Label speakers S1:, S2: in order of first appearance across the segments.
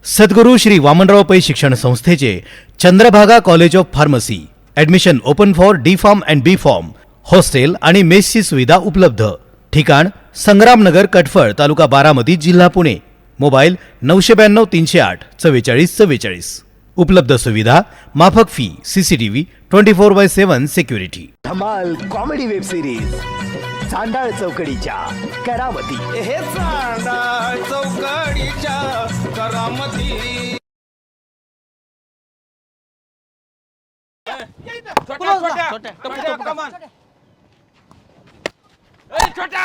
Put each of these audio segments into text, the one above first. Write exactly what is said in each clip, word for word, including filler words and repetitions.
S1: सद्गुरू श्री वामनराव पै शिक्षण संस्थेचे Chandrabhaga college of pharmacy admission open for D pharm and B pharm. Hostel आणि मेसची सुविधा उपलब्ध. ठिकाण संग्रामनगर, कटफळ, तालुका बारामती, जिल्हा पुणे. मोबाईल नऊशे ब्याण्णव तीनशे आठ चव्वेचाळीस चव्वेचाळीस. उपलब्ध सुविधा माफक fee, CCTV twenty four by seven security.
S2: धमाल कॉमेडी वेब सिरीज चांडाळ चौकडीच्या करामती.
S3: हे चांडाळ चौकडीच्या करामती. छोट्या छोट्या छोट्या कमान. ए छोट्या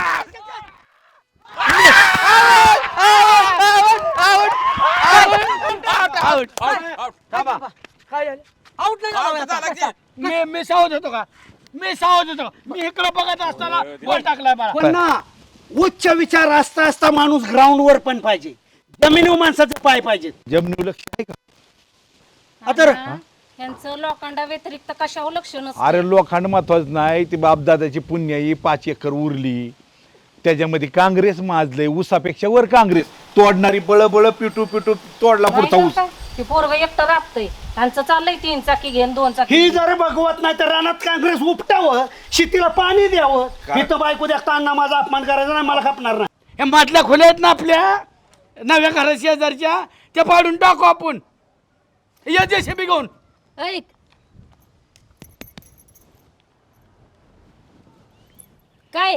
S4: मी मी सावध होतो का मी सावध होतो मी इकडे बघत असताना गोल टाकलाय मला. पण ना उच्च विचार असता असता माणूस ग्राउंड वर पण पाहिजे. जमिनीवर माणसाचे पाय पाहिजेत.
S5: जमिनी लक्ष आहे का?
S4: आता
S6: यांचं लोखंडा व्यतिरिक्त कशावर लक्ष नसतं.
S5: अरे लोखंड महत्वाचं नाही, ती बापदादाची पुण्याई पाच एकर उरली, त्याच्यामध्ये काँग्रेस माजले. ऊसापेक्षा वर काँग्रेस तोडणारी बळ बळ पिटू पिटू तोडला पुढचा ऊस.
S6: ते पोरग एकटं राबतंय. त्यांचं चाललंय तीन चाकी घेऊन दोन चाकी.
S4: ही जर बघवत नाही तर रानात काँग्रेस उपटावं, शेतीला पाणी द्यावं. मी तर बायको देखता अण्णा माझा अपमान करायचा नाही, मला खपणार नाही. हे मधल्या खोल्या आहेत ना आपल्या नव्या घरा शेजारच्या, त्या पाडून टाकू आपण. या जेसीबी घेऊन.
S6: ऐक, काय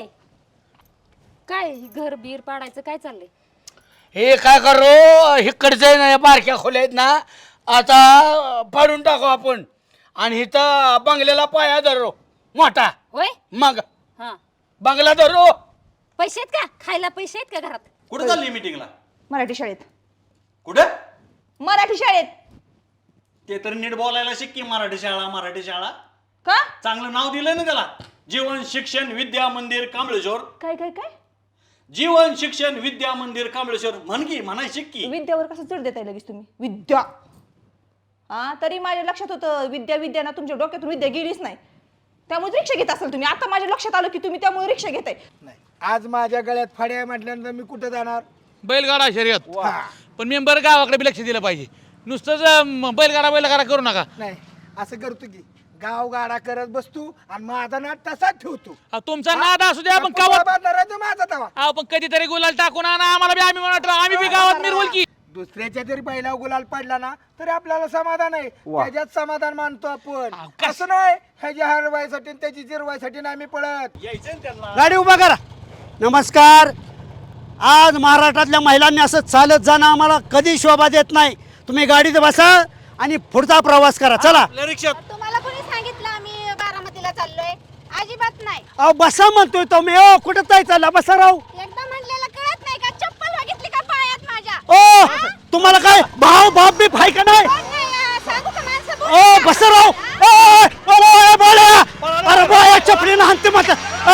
S6: काय घर बीर पाडायचं काय चाललंय?
S4: हे काय करू, इकडचं आहे ना या बारक्या खोल्या आहेत ना, आता पाडून टाकू आपण. आणि इथं बंगल्याला पाया धरू मोठा.
S6: होय.
S4: मग
S6: हा,
S4: बंगला धरू.
S6: पैसे आहेत का? खायला पैसे आहेत का घरात?
S3: कुठे चालली मीटिंगला?
S7: मराठी शाळेत.
S3: कुठे?
S7: मराठी शाळेत.
S3: ते तर नीट बोलायला शिक की. मराठी शाळा मराठी शाळा
S7: का?
S3: चांगलं नाव दिलंय ना त्याला. जीवन शिक्षण विद्या मंदिर कांबळेश्वर.
S7: काय काय काय?
S3: जीवन शिक्षण विद्या मंदिर कांबळेश्वर म्हण की, म्हणाय शिक की.
S7: विद्यावर कसं चढ देताय लगेच तुम्ही? विद्या. हा, तरी माझ्या लक्षात होतं विद्या विद्या ना, तुमच्या डोक्यातून विद्या गेलीच नाही. त्यामुळे रिक्षा घेत असाल तुम्ही. आता माझ्या लक्षात आलं की तुम्ही त्यामुळे रिक्षा घेताय.
S8: नाही, आज माझ्या गळ्यात फाड्या म्हटल्यानंतर मी कुठे जाणार?
S9: बैलगाडा शर्यत. पण मेंबर गावाकडे बी लक्ष दिलं पाहिजे. नुसतंच अं, बैलगाडा बैलगाडा करू नका.
S8: नाही, असं करतो की गाव गाडा करत बसतो आणि माझा नाद तसाच ठेवतो.
S9: अहो, तुमचा नाद असू द्या, आपण
S8: कवा
S9: गावात
S8: धरायचं माझा तवा.
S9: अहो, पण कधीतरी गुलाल टाकून आणा आम्हाला बी. आम्ही म्हणत राहू, आम्ही बी गावात मिरवल की.
S8: दुसऱ्याच्या जरी पहिला गुलाल पडला ना तरी आपल्याला समाधान आहे. त्याच्यात समाधान मानतो आपण.
S9: अहो, कस-
S8: असं नाही ह्याच्या हरवायसाठी आणि त्याची जिरवायसाठी नाही आम्ही पळत.
S3: यायचं ना त्यांना.
S4: गाडी उभा करा. नमस्कार. आज महाराष्ट्रातल्या महिलांनी असं चालत जाणं आम्हाला कधी शोभा देत नाही. तुम्ही गाडीत बसा आणि पुढचा प्रवास करा. चला.
S3: आपल्या रिक्षात
S10: तुम्हाला कोणी सांगितलं आम्ही बारामतीला चाललोय? अजिबात नाही.
S4: अहो बसा म्हणतोय तुम्ही. ओ कुठं जाय चालला? बसा राहू.
S10: एकदा म्हणलेलं कळत नाही का? चप्पल बघितली का पायात माझ्या?
S4: ओ तुम्हाला काय भाव बाप बी फाय का नाही?
S10: कोण नाही, अं, सांगू का माणसं बोलू
S4: ओ
S10: नका.
S4: बसा राहू. ओ ओ बोल्या. अरे बोया चपलीनं हाणते मत.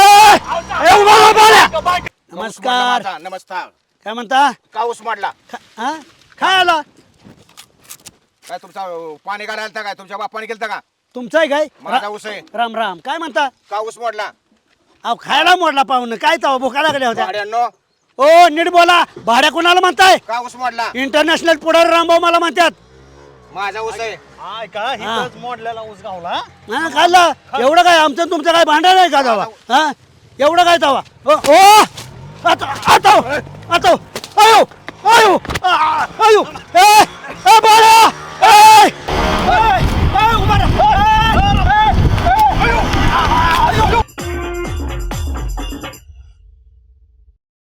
S4: ए बोला बोल्या. नमस्कार.
S8: नमस्कार.
S4: काय म्हणता?
S8: काऊस माडला
S4: हा काय आला?
S8: काय तुमचा पाणी काढायला काय तुमच्या बापाने केलं का?
S4: तुमचं आहे काय?
S8: माझा ऊस आहे.
S4: राम राम. काय म्हणता?
S8: काऊस मोडला.
S4: अहो खायला मोडला पाहुणं. काय तवा भुका लागल्या होत्या?
S8: भाड्यांनो
S4: ओ नीट बोला. भाड्या कोणाला म्हणताय?
S8: काऊस मोडला.
S4: इंटरनॅशनल पुढारी रामभाऊ मला म्हणतात.
S8: माझा ऊस आहे.
S3: हाय का हिथंच मोडलेला ऊस गावला.
S4: हा खाल्ला. एवढं काय आमचं तुमचं काय भांडण आहे का तवा? हा एवढं काय तवा? ओ ओ, आता आता